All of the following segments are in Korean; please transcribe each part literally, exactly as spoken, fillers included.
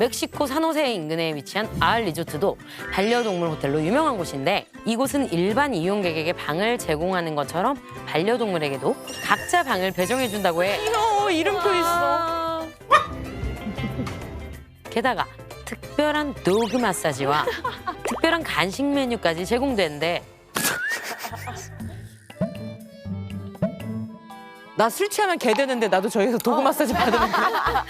멕시코 산호세 인근에 위치한 아알 리조트도 반려동물 호텔로 유명한 곳인데 이곳은 일반 이용객에게 방을 제공하는 것처럼 반려동물에게도 각자 방을 배정해준다고 해. 귀여워, 이름표 있어. 게다가 특별한 도그 마사지와 특별한 간식 메뉴까지 제공되는데 나 술 취하면 개 되는데 나도 저기서 도구 마사지 받으면 돼?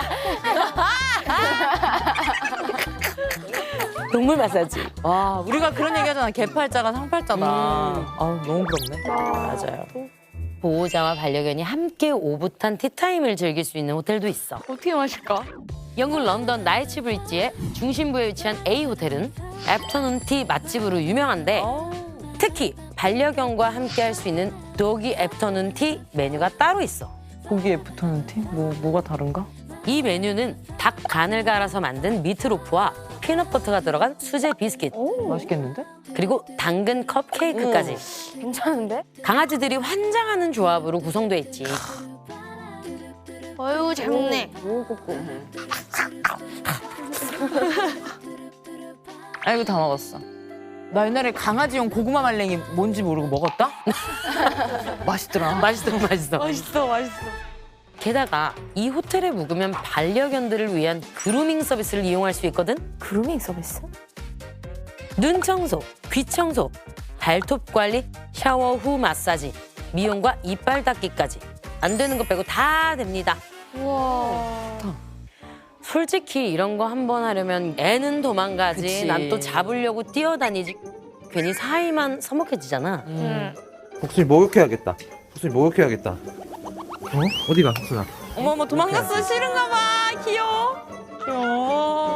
동물 마사지. 와, 우리가 그런 얘기 하잖아. 개팔자가 상팔자다. 음. 아우, 너무 부럽네. 맞아요. 보호자와 반려견이 함께 오붓한 티타임을 즐길 수 있는 호텔도 있어. 어떻게 마실까? 영국 런던 나이츠 브릿지의 중심부에 위치한 A 호텔은 애프터눈 티 맛집으로 유명한데 특히 반려견과 함께 할 수 있는 도기 애프터눈 티 메뉴가 따로 있어. 고기에 붙어있는 티? 뭐, 뭐가 다른가? 이 메뉴는 닭 간을 갈아서 만든 미트로프와 피넛버터가 들어간 수제 비스킷 맛있겠는데? 그리고 당근 컵케이크까지 괜찮은데? 강아지들이 환장하는 조합으로 구성돼 있지. 어유 잘 먹네. 아이고, 다 먹었어. 나 옛날에 강아지용 고구마 말랭이 뭔지 모르고 먹었다? 맛있더라. 맛있어 맛있어. 맛있어, 맛있어. 게다가 이 호텔에 묵으면 반려견들을 위한 그루밍 서비스를 이용할 수 있거든. 그루밍 서비스? 눈 청소, 귀 청소, 발톱 관리, 샤워 후 마사지, 미용과 이빨 닦기까지 안 되는 거 빼고 다 됩니다. 우와. 솔직히 이런 거 한 번 하려면 애는 도망가지. 그치. 난 또 잡으려고 뛰어다니지. 괜히 사이만 서먹해지잖아. 응. 복순이 목욕해야겠다. 복순이 목욕해야겠다. 어? 어디가, 복순아? 어머머, 도망갔어. 싫은가 봐. 귀여워. 귀여워.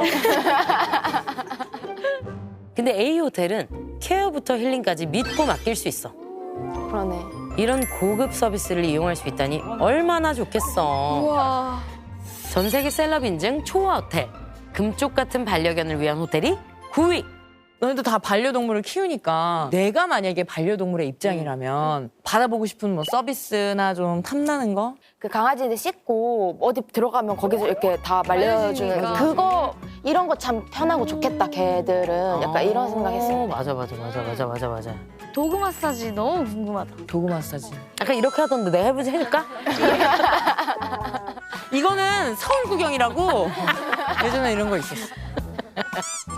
근데 A 호텔은 케어부터 힐링까지 믿고 맡길 수 있어. 그러네. 이런 고급 서비스를 이용할 수 있다니 얼마나 좋겠어. 우와. 전 세계 셀럽 인증 초호 호텔. 금쪽 같은 반려견을 위한 호텔이 구 위. 너희도 다 반려동물을 키우니까 내가 만약에 반려동물의 입장이라면 받아보고 싶은 뭐 서비스나 좀 탐나는 거? 그 강아지들 씻고 어디 들어가면 거기서 이렇게 다 말려주는 말려주니까. 그거 이런 거 참 편하고 좋겠다 걔들은 약간 이런 생각했어요. 어, 맞아 맞아 맞아 맞아 맞아 맞아. 도구 마사지 너무 궁금하다. 도구 마사지. 약간 이렇게 하던데 내가 해보지 해줄까? 이거는 서울 구경이라고 예전에 이런 거 있었어.